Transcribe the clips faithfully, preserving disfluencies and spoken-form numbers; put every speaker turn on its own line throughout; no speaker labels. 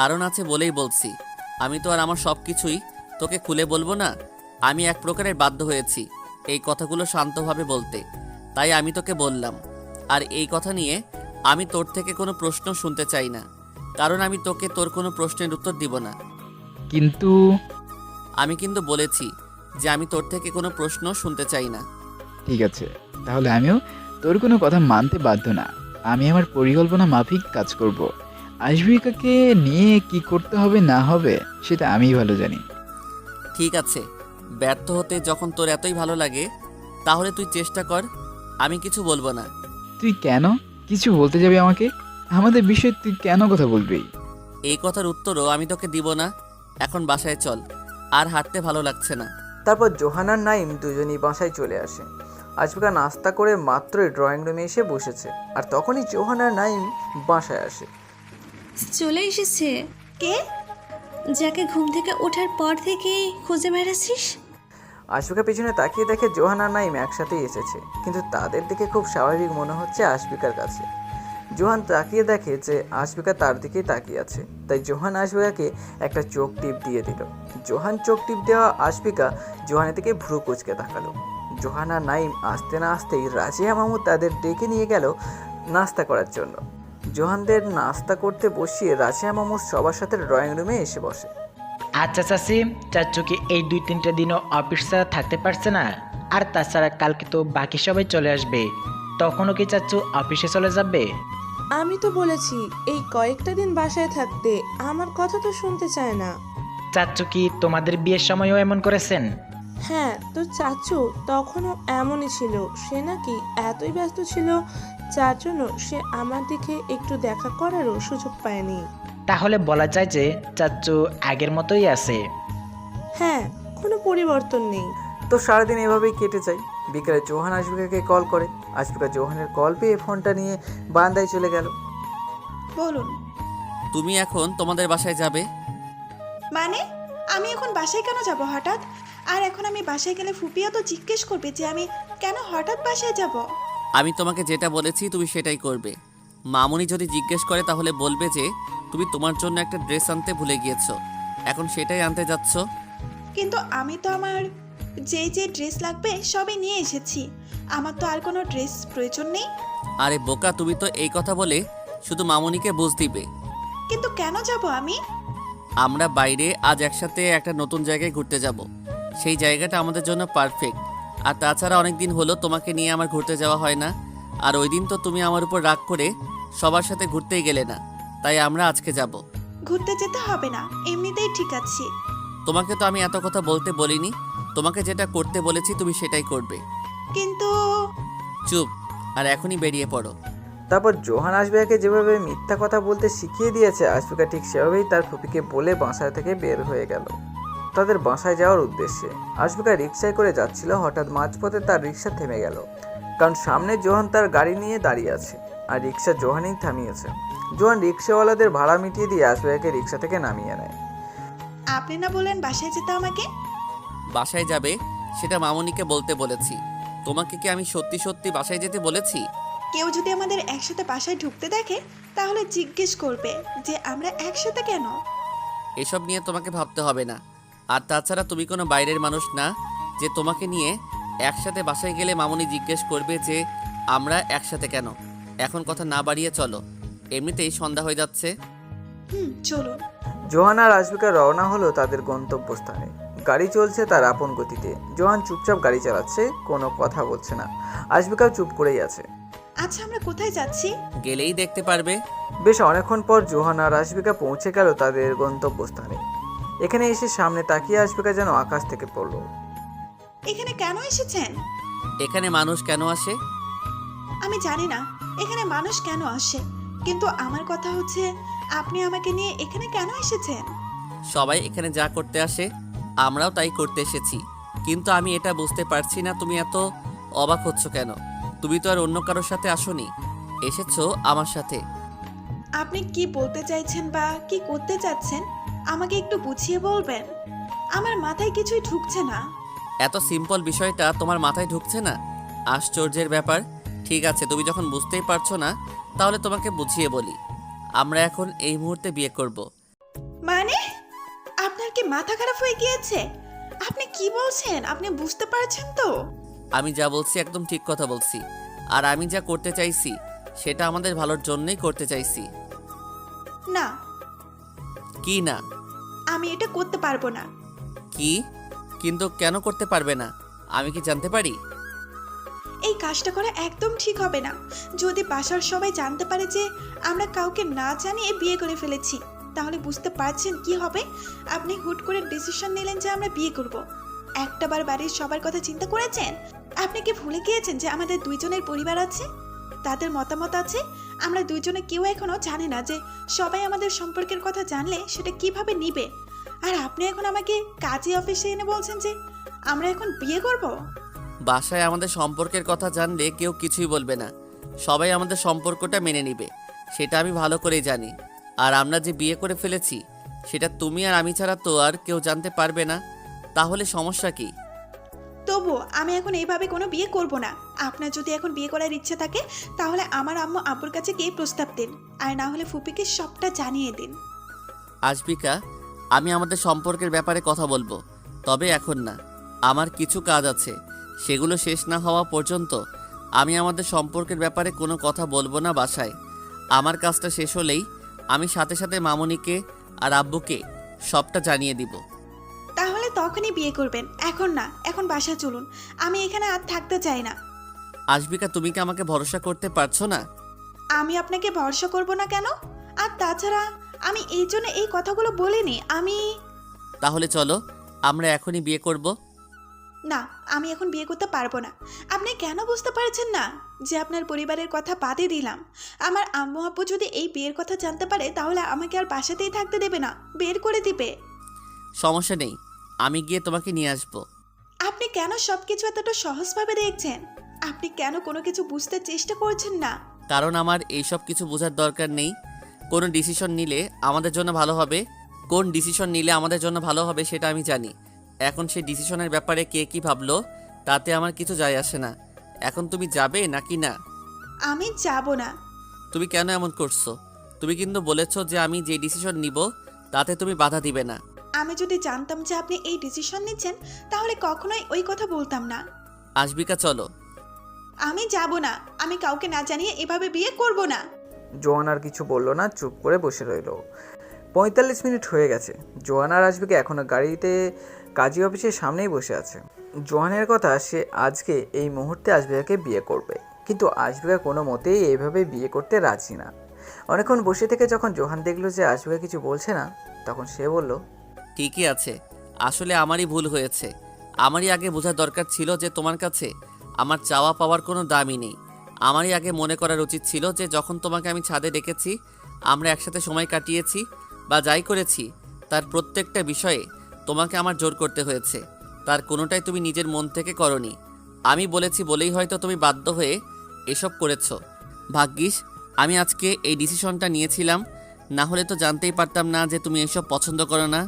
কারণ আছে বলেই বলছি। আমি তো আর আমার সব কিছুই তোকে খুলে বলবো না। আমি এক প্রকারের বাধ্য হয়েছি এই কথাগুলো শান্তভাবে বলতে, তাই আমি তোকে বললাম। আর এই কথা নিয়ে আমি তোর থেকে কোনো প্রশ্ন শুনতে চাই না, কারণ আমি তোকে তোর কোনো প্রশ্নের উত্তর দিব না।
কিন্তু
আমি কিন্তু বলেছি যে আমি তোর থেকে কোনো প্রশ্ন শুনতে চাই না।
ঠিক আছে, তাহলে আমিও তোর কোনো কথা মানতে বাধ্য না। আমি আমার পরিকল্পনা মাফিক কাজ করব। আশবিকাকে নিয়ে কি করতে হবে না হবে সেটা আমিই ভালো জানি।
ঠিক আছে, ব্যর্থ হতে যখন তোর এতই ভালো লাগে তাহলে তুই চেষ্টা কর, আমি কিছু বলবো না।
তুই কেন কিছু বলতে যাবি আমাকে? আমাদের বিষয়ে তুই কেন কথা বলবি?
এই কথার উত্তরও আমি তোকে দিব না। এখন বাসায় চল, আর হাঁটতে ভালো লাগছে না।
তারপর জোহানার নাইম দুজনই বাসায় চলে আসে। আশফিকা নাস্তা করে মাত্রই ড্রয়িং রুমে এসে বসেছে, আর তখনই জোহানার নাইম বাসায় আসে।
চলে এসেছে।
কে?
যাকে ঘুম থেকে ওঠার পর থেকেই খুঁজে বেড়াচ্ছিস?
আশফিকা পিছনে তাকিয়ে দেখে জোহানার নাইম একসাথেই এসেছে, কিন্তু তাদের দিকে খুব স্বাভাবিক মনে হচ্ছে আশফিকার কাছে। জোহান তাকিয়ে দেখে যে আশফিকা তার দিকেই তাকিয়ে আছে, তাই জোহান আশফিকাকে একটা চোখ টিপ দিয়ে দিল। জোহান চোখ টিপ দেওয়া আশফিকা জোহানের দিকে ভ্রু কুচকে তাকালো। জোহানা নাইম আসতে না আসতেই রাজিয়া মামু তাদের ডেকে নিয়ে গেল নাস্তা করার জন্য। জোহানদের নাস্তা করতে বসিয়ে রাজিয়া মামু সবার সাথে ড্রয়িং রুমে এসে বসে।
আচ্ছা চাচি, চাচু কি এই দুই তিনটা দিনও অফিস ছাড়া থাকতে পারছে না? আর তাছাড়া কালকে তো বাকি সবাই চলে আসবে, তখনও কি চাচু অফিসে চলে যাবে?
আমি তো বলেছি এই কয়েকটা দিন বাসায় থাকতে, আমার কথা তো শুনতে চায় না।
চাচু কি তোমাদের বিয়ের সময়ও এমন করেছেন?
হ্যাঁ, তো চাচু তখনও এমনই ছিল। সে নাকি এতই ব্যস্ত ছিল যার জন্য সে আমার দিকে একটু দেখা করারও সুযোগ পায়নি।
তাহলে বলা যায় যে চাচু আগের মতোই আছে।
হ্যাঁ, কোনো পরিবর্তন নেই।
তো সারাদিন এভাবেই কেটে যায়। বিকেলে জোহান আশফিকাকে কল করে। আশফিকা জোহানের কল পেয়ে ফোনটা নিয়ে বারান্দায় চলে গেল।
বলুন।
তুমি এখন তোমাদের বাসায় যাবে?
মানে আমি এখন বাসায় কেন যাব হঠাৎ? আর এখন আমি বাসায় গেলে ফুপিয়া তো জিজ্ঞেস করবে যে আমি কেন হঠাৎ বাসায় যাব।
আমি তোমাকে যেটা বলেছি তুমি সেটাই করবে। মামুনি যদি জিজ্ঞেস করে তাহলে বলবে যে তুমি তোমার জন্য একটা ড্রেস আনতে ভুলে গিয়েছো, এখন সেটাই আনতে যাচ্ছ।
কিন্তু আমি তো আমার যে যে ড্রেস লাগবে সবই নিয়ে এসেছি, আমার তো আর কোনো ড্রেস প্রয়োজন নেই।
আরে বোকা, তুমি তো এই কথা বলে শুধু মামুনিকে বুঝ দিবে।
কিন্তু কেন যাব আমি?
আমরা বাইরে আজ একসাথে একটা নতুন জায়গায় ঘুরতে যাব। সেই জায়গাটা আমাদের জন্য পারফেক্ট। আর তাছাড়া অনেক দিন হলো তোমাকে নিয়ে আমার ঘুরতে যাওয়া হয় না। আর ওই দিন তো তুমি আমার উপর রাগ করে সবার সাথে ঘুরতেই গেলে না, তাই আমরা আজকে যাব।
ঘুরতে যেতে হবে না, এমনিতেই ঠিক আছি।
তোমাকে তো আমি এত কথা বলতে বলিনি। তোমাকে যেটা করতে বলেছি তুমি সেটাই করবে।
কিন্তু
চুপ, আর এখনই বেরিয়ে পড়ো।
তারপর জোহান আশফিকাকে যেভাবে মিথ্যা কথা বলতে শিখিয়ে দিয়েছে, আশফিকা ঠিক সেভাবেই তার ফুপিকে বলে বাসা থেকে বের হয়ে গেল তাদের বাসায় যাওয়ার উদ্দেশ্যে। আশফিকা রিকশায় করে যাচ্ছিল, হঠাৎ মাঝপথে তার রিকশা থেমে গেল, কারণ সামনে জোহান তার গাড়ি নিয়ে দাঁড়িয়ে আছে আর রিকশা জোহানই থামিয়েছে। জোহান রিকশাওয়ালাদের ভাড়া মিটিয়ে দিয়ে আশফিকাকে রিকশা থেকে নামিয়ে নেয়।
আপনি না বলেন বাসায় যেতে আমাকে?
বাসায় যাবে সেটা মামুনিকে বলতে বলেছি। তোমাকে কি আমি সত্যি সত্যি বাসায় যেতে বলেছি?
কেউ যদি আমাদের একসাথে বাসায় ঢুকতে দেখে তাহলে জিজ্ঞেস করবে যে আমরা একসাথে কেন।
এসব নিয়ে তোমাকে ভাবতে হবে না। আর তাছাড়া তুমি কোনো বাইরের মানুষ না যে তোমাকে নিয়ে একসাথে বাসায় গেলে মামুনি জিজ্ঞেস করবে যে আমরা একসাথে কেন। এখন কথা না বাড়িয়ে চলো, এমনিতেই সন্ধ্যা হয়ে যাচ্ছে।
হুম, চলুন।
জোহান আর আশফিকা রওনা হলো তাদের গন্তব্যস্থানে। গাড়ি চলছে তার আপন গতিতে। জোহান চুপচাপ গাড়ি চালাচ্ছে, কোনো কথা বলছে না। আশফিকাও চুপ করেই আছে।
আচ্ছা, আমরা কোথায় যাচ্ছি?
গেলেই দেখতে পারবে।
বেশ অনেকক্ষণ পর জোহান আর আশফিকা পৌঁছে গেল তাদের গন্তব্যস্থানে। এখানে এসে সামনে তাকিয়ে আশফিকা যেন আকাশ থেকে পড়ল।
এখানে কেন এসেছেন?
এখানে মানুষ কেন আসে?
আমি জানি না এখানে মানুষ কেন আসে, কিন্তু আমার কথা হচ্ছে আপনি আমাকে নিয়ে এখানে কেন এসেছেন?
সবাই এখানে যা করতে আসে আমরাও তাই করতে এসেছি, কিন্তু আমি এটা বুঝতে পারছি না তুমি এত অবাক হচ্ছ কেন। তুমি তো আর অন্য কারোর সাথে আসোনি, এসেছো আমার সাথে।
আপনি কি বলতে চাইছেন বা কি করতে চাচ্ছেন আমাকে একটু বুঝিয়ে বলবেন? আমার মাথায় কিছুই ঢুকছে না।
এত সিম্পল বিষয়টা তোমার মাথায় ঢুকছে না? আশ্চর্যের ব্যাপার। ঠিক আছে, তুমি যখন বুঝতেই পারছো না তাহলে তোমাকে বুঝিয়ে বলি। আমরা এখন এই মুহূর্তে বিয়ে করব।
মানে আপনার কি মাথা খারাপ হয়ে গিয়েছে? আপনি কি বলছেন? আপনি বুঝতে পারছেন তো?
আমি যা বলছি একদম ঠিক কথা বলছি। আর আমি যা করতে চাইছি সেটা আমাদের ভালোর জন্যই করতে চাইছি।
না,
কি না?
আমি এটা করতে পারবো না।
কি? কিন্তু কেন করতে পারবে না আমি কি জানতে পারি?
এই কাজটা করা একদম ঠিক হবে না। যদি বাসার সবাই জানতে পারে যে আমরা কাউকে না জানিয়ে বিয়ে করে ফেলেছি, তাহলে বুঝতে পারছেন কি হবে? আপনি হুট করে ডিসিশন নিলেন যে আমরা বিয়ে করব। একটাবার বাড়ির সবার কথা চিন্তা করেছেন? আপনি কি ভুলে গিয়েছেন যে আমাদের দুইজনের পরিবার আছে, তাদের মতামত আছে? আমরা দুইজনে কেউ এখনো জানে না যে সবাই আমাদের সম্পর্কের কথা জানলে সেটা কিভাবে নিবে। আর আপনি এখন আমাকে কাজী অফিসে এনে বলছেন যে আমরা এখন বিয়ে করব।
বাসায় আমাদের সম্পর্কের কথা জানলে কেউ কিছুই বলবে না, সবাই আমাদের সম্পর্কটা মেনে নিবে, সেটা আমি ভালো করেই জানি। আর আমরা যে বিয়ে করে ফেলেছি সেটা তুমি আর আমি ছাড়া তো আর কেউ জানতে পারবে না, তাহলে সমস্যা কি?
তবু আমি এখন এইভাবে কোনো বিয়ে করব না। আপনার যদি এখন বিয়ে করার ইচ্ছে থাকে তাহলে আমার আম্মু আব্বুর কাছে গিয়ে প্রস্তাব দিন, আর না হলে ফুপিকে সবটা জানিয়ে দিন।
আশফিকা, আমি আমাদের সম্পর্কের ব্যাপারে কথা বলবো, তবে এখন না। আমার কিছু কাজ আছে, সেগুলো শেষ না হওয়া পর্যন্ত আমি আমাদের সম্পর্কের ব্যাপারে কোনো কথা বলবো না বাসায়। আমার কাজটা শেষ হলেই আমি সাথে সাথে মামুনিকে আর আব্বুকে সবটা জানিয়ে দিব।
তাহলে তখনই বিয়ে করবেন, এখন না। এখন বাসা চলুন, আমি এখানে আর থাকতে চাই না।
আশফিকা, তুমি কি আমাকে ভরসা করতে পারছো না?
আমি আপনাকে ভরসা করব না কেন? আর তাছাড়া আমি এই জন্য এই কথাগুলো বলিনি। আমি
তাহলে চলো আমরা এখনই বিয়ে করব।
না, আমি এখন বিয়ে করতে পারবো না। আপনি কেন বুঝতে পারছেন না যে আপনার পরিবারের কথা বাদে দিলাম? আমার আম্মু আব্বু যদি এই বিয়ের কথা জানতে পারে তাহলে আমাকে আর বাসাতেই থাকতে দেবে না, বের করে দিবে।
সমস্যা নেই, আমি গিয়ে তোমাকে নিয়ে আসবো।
আপনি কেন সবকিছু এতটা সহজভাবে দেখছেন? আপনি কেন কোনো কিছু বুঝতে চেষ্টা করছেন না?
কারণ আমার এইসব কিছু বোঝার দরকার নেই। কোন ডিসিশন নিলে আমাদের জন্য ভালো হবে, কোন ডিসিশন নিলে আমাদের জন্য ভালো হবে সেটা আমি জানি। এখন সেই ডিসিশনের ব্যাপারে কে কি ভাবলো তাতে আমার কিছু যায় আসে না। এখন তুমি যাবে নাকি না?
আমি যাব না।
তুমি কেন এমন করছো? তুমি কিন্তু বলেছো যে আমি যে ডিসিশন নিব তাতে তুমি বাধা দিবে না।
আমি যদি জানতাম যে আপনি এই ডিসিশন নিচ্ছেন তাহলে কখনোই ওই কথা বলতাম না।
আশফিকা, চলো।
আমি যাব না। আমি কাউকে না জানিয়ে এভাবে বিয়ে করব না।
জোয়ান আর কিছু বলল না, চুপ করে বসে রইল। পঁয়তাল্লিশ মিনিট হয়ে গেছে। জোয়ান আর আশফিকা এখনও গাড়িতে কাজী অফিসের সামনেই বসে আছে। জোয়ানের কথা, সে আজকে এই মুহূর্তে আশফিকাকে বিয়ে করবে, কিন্তু আশফিকা কোনো মতেই এইভাবে বিয়ে করতে রাজি না। অনেকক্ষণ বসে থেকে যখন জোহান দেখলো যে আশফিকা কিছু বলছে না, তখন সে বলল,
ঠিকই আছে, আসলে আমারই ভুল হয়েছে। আমারই আগে বোঝার দরকার ছিল যে তোমার কাছে আমার চাওয়া পাওয়ার কোনো দামই নেই। আমারই আগে মনে করার উচিত ছিল যে যখন তোমাকে আমি ছাদে ডেকেছি, আমরা একসাথে সময় কাটিয়েছি বা যাই করেছি, তার প্রত্যেকটা বিষয়ে তোমাকে আমার জোর করতে হয়েছে। তার কোনোটাই তুমি নিজের মন থেকে করনি। আমি বলেছি বলেই হয়তো তুমি বাধ্য হয়ে এসব করেছো। ভাগ্যিস আমি আজকে এই ডিসিশনটা নিয়েছিলাম, না হলে তো জানতেই পারতাম না যে তুমি এসব পছন্দ করো না।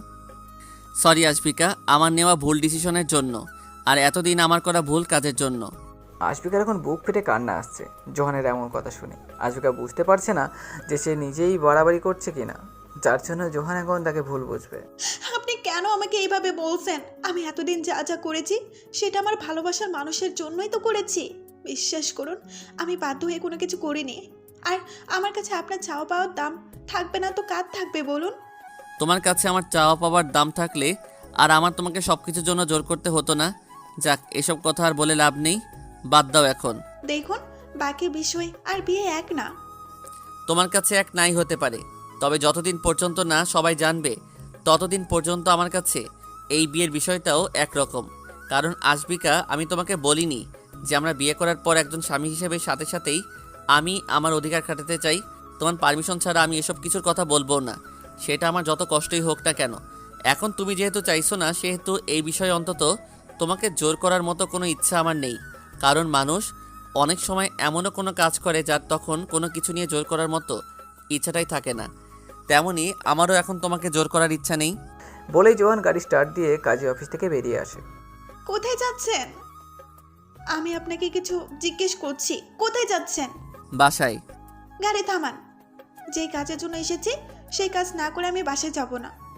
সরি আশফিকা, আমার নেওয়া ভুল ডিসিশনের জন্য, আর এতদিন আমার করা ভুল কাজের জন্য।
আশফিকার এখন বুক ফেটে কান্না আসছে জোহানের এমন কথা শুনে। আশফিকা বুঝতে পারছে না যে সে নিজেই বাড়াবাড়ি করছে কিনা, যার জন্য জোহান এখন তাকে ভুল বুঝবে।
আপনি কেন আমাকে এইভাবে বলছেন? আমি এতদিন যা যা করেছি সেটা আমার ভালোবাসার মানুষের জন্যই তো করেছি। বিশ্বাস করুন, আমি বাধ্য হয়ে কোনো কিছু করিনি। আর আমার কাছে আপনার চাওয়া পাওয়ার দাম থাকবে না তো কার থাকবে বলুন?
তোমার কাছে আমার চাওয়া পাওয়ার দাম থাকলে আর আমার তোমাকে সব কিছুর জন্য জোর করতে হতো না। যাক, এসব কথা আর বলে লাভ নেই, বাদ দাও এখন।
দেখুন, বাকি বিষয় আর বিয়ে এক না।
তোমার কাছে এক নাই হতে পারে, তবে যতদিন পর্যন্ত না সবাই জানবে ততদিন পর্যন্ত আমার কাছে এই বিয়ের বিষয়টাও একরকম। কারণ আশফিকা, আমি তোমাকে বলিনি যে আমরা বিয়ে করার পর একজন স্বামী হিসেবে সাথে সাথেই আমি আমার অধিকার খাটাতে চাই। তোমার পারমিশন ছাড়া আমি এসব কিছুর কথা বলবো না, সেটা আমার যত কষ্টই হোক না কেন। এখন তুমি যেহেতু চাইছো না, সেহেতু এই বিষয়ে অন্তত তোমাকে জোর করার মতো কোনো ইচ্ছা আমার নেই। কারণ মানুষ অনেক সময় এমনও কোনো কাজ করে যার তখন কোনো কিছু নিয়ে জোর করার মতো ইচ্ছাটাই থাকে না। তেমনি আমারও এখন তোমাকে জোর করার ইচ্ছা নেই।
বলেই জোহান গাড়ি স্টার্ট দিয়ে কাজী অফিস থেকে বেরিয়ে আসে।
কোথায় যাচ্ছেন? আমি আপনাকে কিছু জিজ্ঞেস করছি, কোথায় যাচ্ছেন?
বাসায়।
গাড়ি থামান। যেই কাজের জন্য এসেছি সেই কাজ না করে আমি বাসায় যাব না।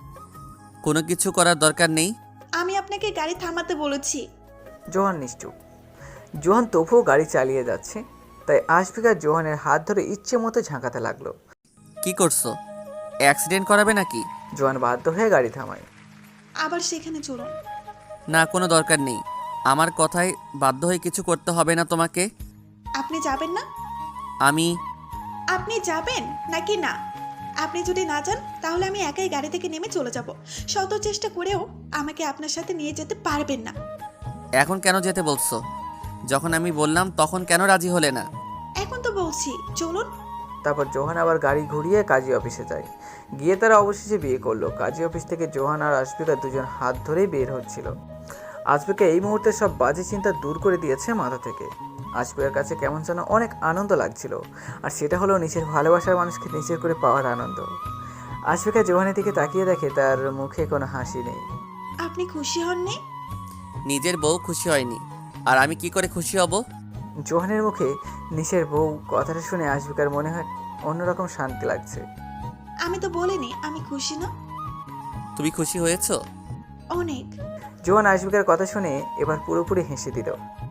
কোনো কিছু করার দরকার নেই।
আমি আপনাকে গাড়ি থামাতে বলেছি।
জোহান নিশ্চুপ। জোহান তবুও গাড়ি চালিয়ে যাচ্ছে, তাই আশফিকা জোহানের হাত ধরে ইচ্ছে মতো ঝাঁকাতে লাগলো।
কি করছো? অ্যাক্সিডেন্ট করাবে নাকি?
জোহান বাধ্য হয়ে গাড়ি থামায়।
আবার সেখানে চলুন।
না, কোনো দরকার নেই। আমার কথায় বাধ্য হয়ে কিছু করতে হবে না তোমাকে।
আপনি যাবেন না?
আমি
আপনি যাবেন নাকি না? আপনি যদি না যান তাহলে আমি একাই গাড়ি থেকে নেমে চলে যাব। শত চেষ্টা করেও আমাকে আপনার সাথে নিয়ে যেতে পারবেন না।
এখন কেন যেতে বলছো? যখন আমি বললাম তখন কেন রাজি হলে না?
এখন তো বলছি চলুন।
তারপর জোহান আবার গাড়ি ঘুরিয়ে কাজী অফিসে যায়। গিয়ে তারা অবশেষে বিয়ে করলো। কাজী অফিস থেকে জোহান আর আশফিকা দুজন হাত ধরেই বের হচ্ছিল। আশফিকা এই মুহূর্তে সব বাজে চিন্তা দূর করে দিয়েছে মাথা থেকে। আশফিকার কাছে কেমন যেন অনেক আনন্দ লাগছিল, আর সেটা হলো নিজের ভালোবাসার মানুষকে নিজের করে পাওয়ার আনন্দ। আশফিকা জোহানের দিকে তাকিয়ে দেখে তার মুখে কোনো হাসি নেই।
আপনি খুশি হননি?
নিজের বউ খুশি হয়নি, আর আমি কি করে খুশি হব?
জোহানের মুখে নিশের বউ কথাটা শুনে আশফিকার মনে হয় অন্যরকম শান্তি লাগছে।
আমি তো বলিনি আমি খুশি না।
তুমি খুশি হয়েছো?
অনেক।
জোহান আশফিকার কথা শুনে এবার পুরোপুরি হেসে দিল।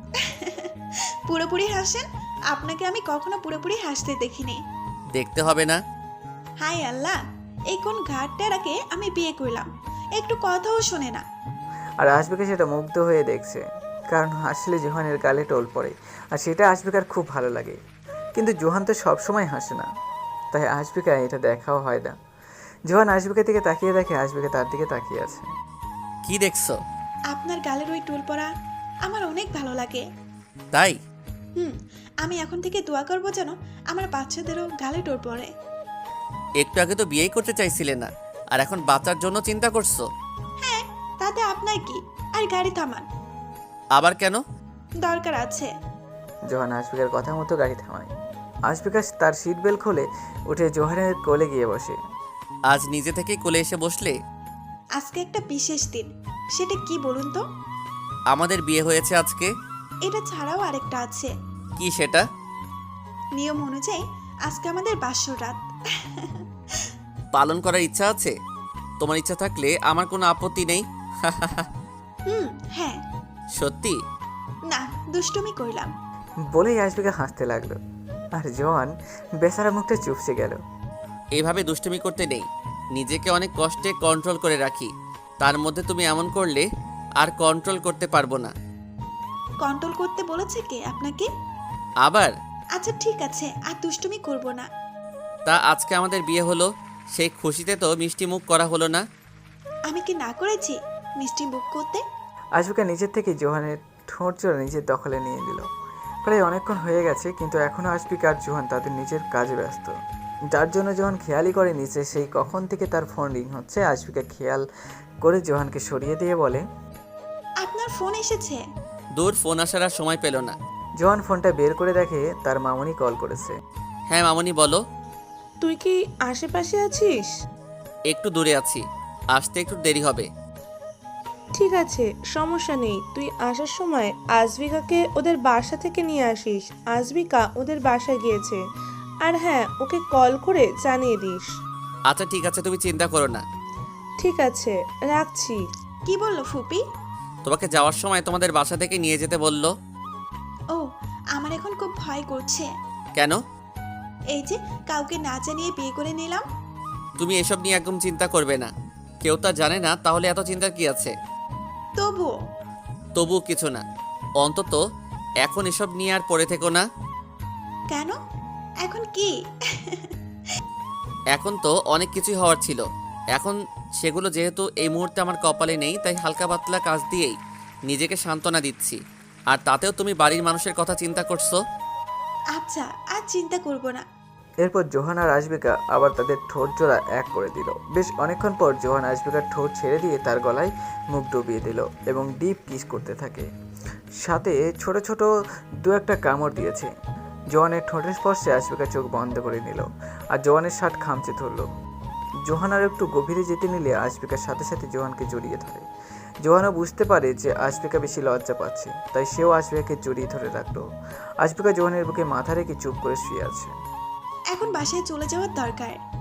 পুরোপুরি হাসেন? আপনাকে আমি কখনো পুরোপুরি হাসতে দেখিনি।
দেখতে হবে না।
হাই আল্লাহ, এই কোন ঘাটটারাকে আমি বিয়ে করলাম, একটু কথাও শোনে না।
আর আশফিকা সেটা মুগ্ধ হয়ে দেখছে, কারণ হাসলে জোহানের গালে টোল পড়ে, আর সেটা আশফিকার খুব ভালো লাগে। কিন্তু জোহান তো সবসময় হাসে না, তাই আশফিকা এটা দেখাও হয় না। জোহান আশফিকার দিকে তাকিয়ে দেখে আশফিকা তার দিকে তাকিয়ে আছে।
কি দেখছো?
আপনার গালের ওই টুল পড়া আমার অনেক ভালো লাগে।
তাই?
হুম, আমি এখন থেকে দোয়া করবো যেন আমার বাচ্চাদেরও গালে টোল পড়ে।
একটু আগে তো বিয়েই করতে চাইছিলে না, আর এখন বাচ্চার জন্য চিন্তা করছো?
হ্যাঁ, তাতে আপনার কি? আর গাড়ি থামান।
আবার কেন?
দরকার আছে।
জোহান আশফিকার কথা মতো গাড়ি থামায়। আশফিকা তার সিট বেল্ট খোলে, উঠে জোহানের কোলে গিয়ে বসে।
আজ নিজে থেকেই কোলে এসে বসলে?
আজকে একটা বিশেষ দিন, সেটা কি বলুন তো?
আমাদের বিয়ে হয়েছে আজকে।
এটা ছাড়াও আরেকটা আছে।
কি সেটা?
নিয়ম অনুযায়ী আজকে আমাদের বাসর রাত।
পালন করার ইচ্ছা আছে? তোমার ইচ্ছা থাকলে আমার কোনো আপত্তি নেই।
হুম, হ্যাঁ।
সত্যি?
না, দুষ্টুমি করলাম।
বলেই আশফিকা হাসতে লাগলো, আর জোহান বেচারা মুখটা চুপসে গেল।
এইভাবে দুষ্টুমি করতে নেই, নিজেকে অনেক কষ্টে কন্ট্রোল করে রাখি, তার মধ্যে তুমি এমন করলে আর কন্ট্রোল করতে পারবো না।
কন্ট্রোল করতে বলেছে কে আপনাকে?
আবার?
আচ্ছা ঠিক আছে, আর দুষ্টুমি করব না।
তা আজকে আমাদের বিয়ে হলো, সেই খুশিতে তো মিষ্টি মুখ করা হলো না?
আমি কি না করেছি মিষ্টি মুখ করতে?
আশফিকা নিজের থেকে জোহানের ঠোঁট জোড়া নিজের দখলে নিয়ে নিল। প্রায় অনেকক্ষণ হয়ে গেছে, কিন্তু এখনও আশফিকা আর জোহান তাদের নিজের কাজে ব্যস্ত, যার জন্য জোহান খেয়ালই করে নিচে সেই কখন থেকে তার ফোন রিং হচ্ছে। আশফিকা খেয়াল করে জোহানকে সরিয়ে দিয়ে বলে,
আপনার ফোন এসেছে?
দূর, ফোন আসার আর সময় পেল না।
জোহান ফোনটা বের করে দেখে তার মামনি কল করেছে।
হ্যাঁ মামনি, বলো।
তুই কি আশেপাশে আছিস?
একটু দূরে আছি, আসতে একটু দেরি হবে।
ঠিক আছে, সমস্যা নেই। তুই আসার সময় আজবিকাকে ওদের বাসা থেকে নিয়ে আসিস। আজবিকা ওদের বাসায় গিয়েছে। আর হ্যাঁ, ওকে কল করে জানিয়ে দিস।
আচ্ছা ঠিক আছে, তুমি চিন্তা করো না।
ঠিক আছে, রাখছি।
কি বললো ফুপি?
তোমাকে যাওয়ার সময় তোমাদের বাসা থেকে নিয়ে যেতে বললো।
ও, আমার এখন খুব ভয় করছে।
কেন?
এই যে কাউকে না জানিয়ে বিয়ে করে নিলাম।
তুমি এসব নিয়ে একদম চিন্তা করবে না, কেউ তা জানে না, তাহলে এত চিন্তার কি আছে?
তবুও?
তবু কিছু না, অন্তত এখন এসব নিয়ে আর পড়ে থেকো না।
কেন? এখন কি?
এখন তো অনেক কিছুই হওয়ার ছিল, এখন সেগুলো যেহেতু এই মুহূর্তে আমার কপালে নেই, তাই হালকা পাতলা কাজ দিয়েই নিজেকে সান্ত্বনা দিচ্ছি। আর তাতেও তুমি বাড়ির মানুষের কথা চিন্তা করছো।
আচ্ছা, আর চিন্তা করব না।
এরপর জোহান আর আশফিকা আবার তাদের ঠোঁট জোড়া এক করে দিল। বেশ অনেকক্ষণ পর জোহান আশফিকার ঠোঁট ছেড়ে দিয়ে তার গলায় মুখ ডুবিয়ে দিল এবং ডিপ কিস করতে থাকে, সাথে ছোট ছোট দু একটা কামড় দিয়েছে। জোহানের ঠোঁটের স্পর্শে আশফিকা চোখ বন্ধ করে নিল, আর জোহানের শার্ট খামচে ধরল। জোহান আর একটু গভীরে যেতে নিলে আশফিকার সাথে সাথে জোহানকে জড়িয়ে ধরে। জোহানও বুঝতে পারে যে আশফিকা বেশি লজ্জা পাচ্ছে, তাই সেও আশফিকাকে জড়িয়ে ধরে রাখলো। আশফিকা জোহানের বুকে মাথা রেখে চুপ করে শুয়ে আছে।
এখন বাসায় চলে যাওয়ার দরকার।